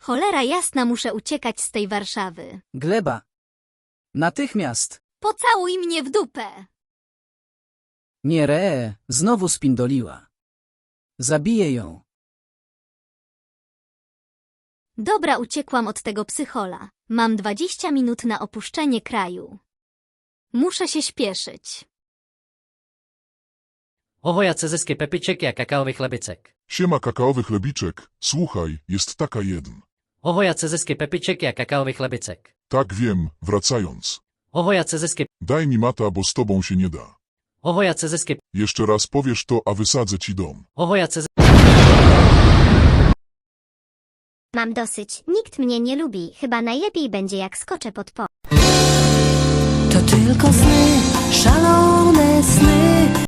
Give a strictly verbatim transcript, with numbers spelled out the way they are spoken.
Cholera jasna, muszę uciekać z tej Warszawy. Gleba. Natychmiast. Pocałuj mnie w dupę. Nie re, znowu spindoliła. Zabiję ją. Dobra, uciekłam od tego psychola. Mam dwadzieścia minut na opuszczenie kraju. Muszę się śpieszyć. Ohoja cezeskie pepyczek jak kakaowy chlebicek. Siema kakaowy chlebiczek, słuchaj, jest taka jeden. Ohoja cezeskie pepyczek jak kakaowy chlebicek. Tak wiem, wracając. Ohoja cezeskie, Daj mi mata, bo z tobą się nie da. ohoja cezeskie, Jeszcze raz powiesz to, a wysadzę ci dom. ohoja cezeskie. Mam dosyć. Nikt mnie nie lubi. Chyba najlepiej będzie jak skoczę pod po. To tylko sny, szalone sny.